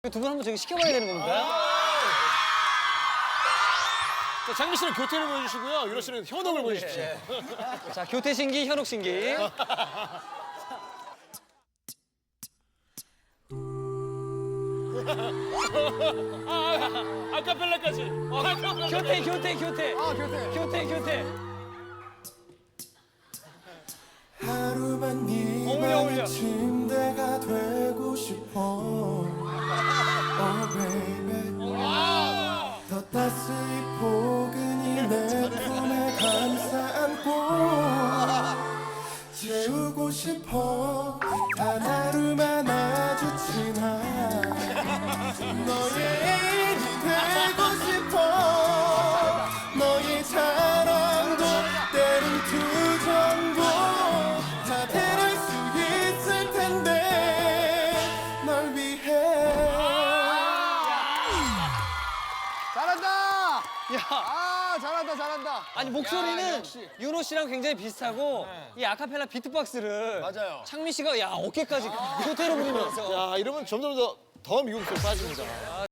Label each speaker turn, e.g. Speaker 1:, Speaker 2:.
Speaker 1: 두 분 한번 저기 시켜봐야 되는 겁니까?
Speaker 2: 자, 장미 씨는 교태를 보여주시고요. 윤호 씨는 현혹을 보여주십시오.
Speaker 1: 자, 교태 신기, 현혹 신기.
Speaker 2: 아카펠라까지.
Speaker 1: 교태, 교태, 교태.
Speaker 3: 교태.
Speaker 1: 교태, 교태.
Speaker 4: 하루만
Speaker 1: 어울려, 어울려.
Speaker 4: 네가 침대가 되고 싶어. Oh baby. 더 따스히 포근히 내 품에 감싸 안고 재우고 싶어. 단 하루만 아주 친한 너의 애인이 되고 싶어. 너의 사랑도 때론 투정도 다 대할 수 있을 텐데 널 위해.
Speaker 3: 잘한다.
Speaker 1: 야,
Speaker 3: 아, 잘한다, 잘한다.
Speaker 1: 아니 목소리는
Speaker 3: 역시.
Speaker 1: 윤호 씨랑 굉장히 비슷하고 이 아카펠라 비트박스를
Speaker 3: 맞아요.
Speaker 1: 창민 씨가 야 어깨까지 교태로 부리면서.
Speaker 2: 야, 이러면 점점 더 미국으로 빠집니다.